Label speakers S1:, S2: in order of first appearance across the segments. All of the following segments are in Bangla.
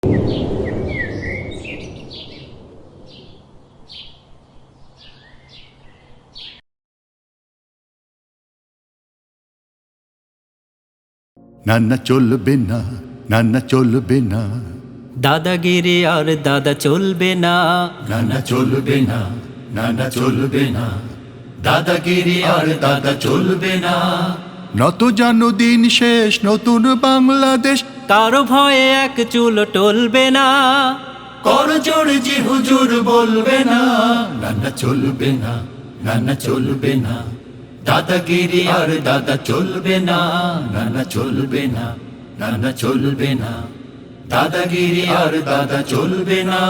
S1: নানা চলবে না, নানা চলবে না,
S2: দাদাগিরি আর দাদা চলবে না।
S1: নানা চলবে না, নানা চলবে না, দাদাগিরি আর দাদা চলবে না। নত জানো দিন শেষ, নতুন বাংলাদেশ
S2: কারো ভয়ে এক চুল টলবে না।
S1: কর জোড় জি হুজুর বলবে না। নানা চলবে না, নানা চলবে না, দাদাগিরি আর দাদা চলবে না। নানা চলবে না, নানা চলবে না, দাদাগিরি আর দাদা চলবে না।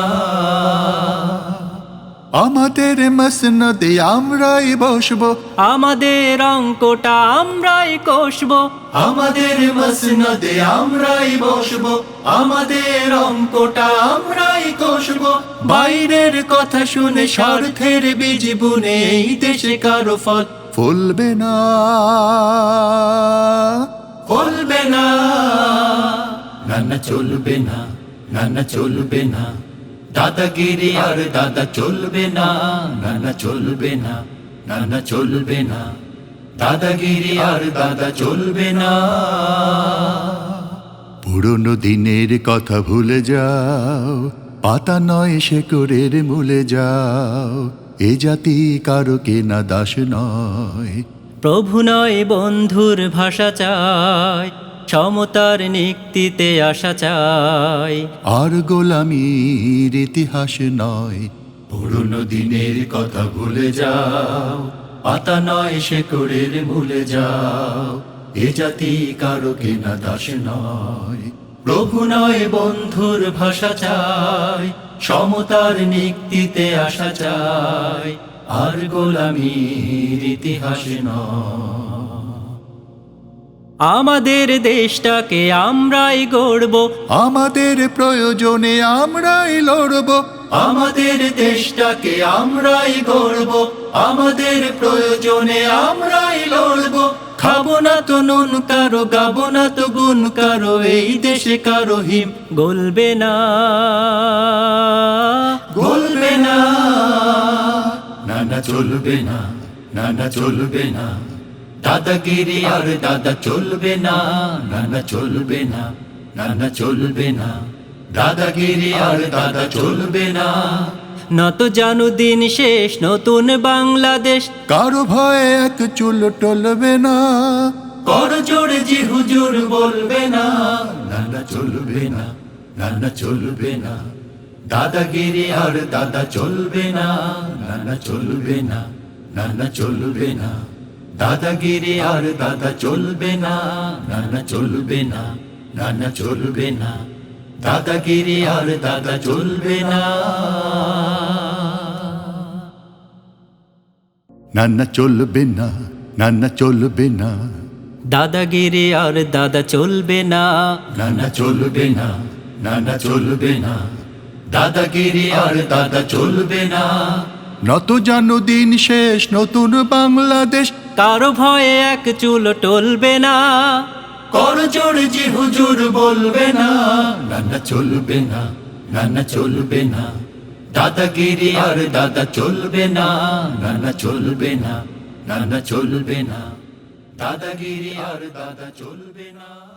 S1: আমাদের মসনদে আমরাই বসবো,
S2: আমাদের অঙ্কটা আমরাই কষবো।
S1: আমাদের মসনদে আমরাই বসবো, আমাদের অঙ্কটা আমরাই কষবো। বাইরের কথা শুনে স্বার্থের বীজ বুনে এই দেশে কারো ফল ফলবে না, ফলবে না। নানা চলবে না, নানা চলবে না, দাদাগিরি আর দাদা চলবে না। নানা চলবে না, নানা চলবে না, দাদাগিরি আর দাদা চলবে না। পুরনো দিনের কথা ভুলে যাও, পাতা নয় শেকড়ের মূলে যাও। এ জাতি কারো কেনা দাস নয়,
S2: প্রভু নয় বন্ধুর ভাষা চাই, সমতার নিক্তিতে আসা চাই।
S1: আর গোলামির ইতিহাস নয়। পুরনো দিনের কথা ভুলে যাও, পাতা নয় শেকড়ের মূলে যাও। এ জাতি কারো কেনা দাস নয়, প্রভু নয় বন্ধুর ভাষা চাই, সমতার নিক্তিতে আসা চাই। আর গোলামির ইতিহাস নয়।
S2: আমাদের দেশটাকে আমরাই গড়ব,
S1: আমাদের প্রয়োজনে আমরাই লড়ব। আমাদের দেশটাকে আমরাই গড়ব, আমাদের প্রয়োজনে আমরাই লড়ব।
S2: খাবো না তো নুন কারো, গাবো না তো গুণ কারো, এই দেশে কারো হিম গলবে না,
S1: গলবে না। নানা চলবে না, নানা চলবে না, দাদাগিরি আর দাদা চলবে না। নানা চলবে না, নানা চলবে না, দাদাগিরি আর দাদা চলবে না।
S2: নত জানু দিন শেষ, নতুন বাংলাদেশ
S1: কারো ভয়ে এক চুল টলবে না। কর জোড়ে জি হুজুর বলবে না। নানা চলবে না, নানা চলবে না, দাদাগিরি আর দাদা চলবে না। নানা চলবে না, নানা চলবে না, দাদাগিরি আর দাদা চলবে না। নানা চলবে না, নানা চলবে না, দাদাগিরি আর দাদা চলবে না। নানা চলবে না, নানা চলবে না,
S2: দাদাগিরি আর দাদা চলবে না।
S1: নানা চলবে না, নানা চলবে না, দাদাগিরি আর দাদা চলবে না। নত জানো দিন শেষ, নতুন বাংলাদেশ
S2: কারো ভয়ে এক চুল টলবে না।
S1: কর জোড় জি হুজুর বলবে না। নানা চলবে না, নানা চলবে না, দাদাগিরি আর দাদা চলবে না। নানা চলবে না, নানা চলবে না, দাদাগিরি আর দাদা চলবে না।